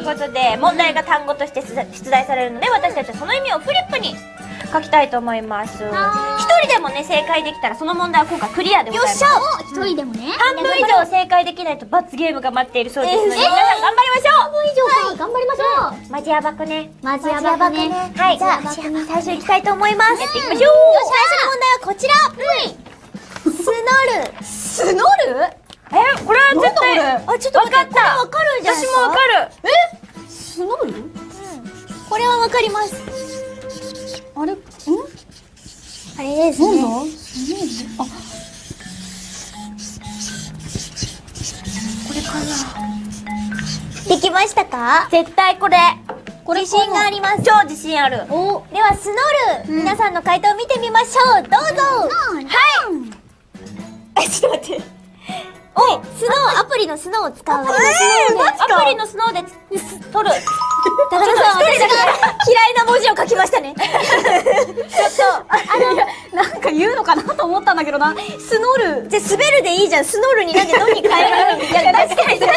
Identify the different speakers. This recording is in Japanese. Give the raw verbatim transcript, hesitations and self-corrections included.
Speaker 1: ことで、問題が単語として出題されるので、私たちはその意味をフリップに書きたいと思います。一人でもね、正解できたらその問題は今回クリアでございます。よっしゃ、
Speaker 2: 一人でもね。
Speaker 1: 半分以上正解できないと罰ゲームが待っているそうですので、皆さん頑張りましょう。
Speaker 2: 半分以上か、頑張りましょう。
Speaker 1: マジヤバくね。
Speaker 2: マジヤバくね。
Speaker 1: はい、じゃあ最初行きたいと思います。やっていきましょう。最初の問題はこちら。スノル。スノル？え、これは絶対、あ、ちょっと分かった。わかるんじゃないですか？私もわかる。
Speaker 2: え？スノル？うん。これはわかります。あれ？ん？あれですね。なんだ？あ、これかな。できましたか？
Speaker 1: 絶対これ。
Speaker 2: これ
Speaker 1: 自信があります。超自信ある。
Speaker 2: お、
Speaker 1: ではスノル、皆さんの回答を見てみましょう。どうぞ。はい。え、ちょっと待って。お、スノー、アプリのスノーを使う。えー、マジか。アプリのスノーで撮る。高田さん、私が嫌いな文字を書きましたね。ちょっと、あの、
Speaker 2: なんか言うのかなと思ったんだけどな。スノル。
Speaker 1: じゃ、滑るでいいじゃん。スノールになんでどんに変えられるの？いや、確かにそれ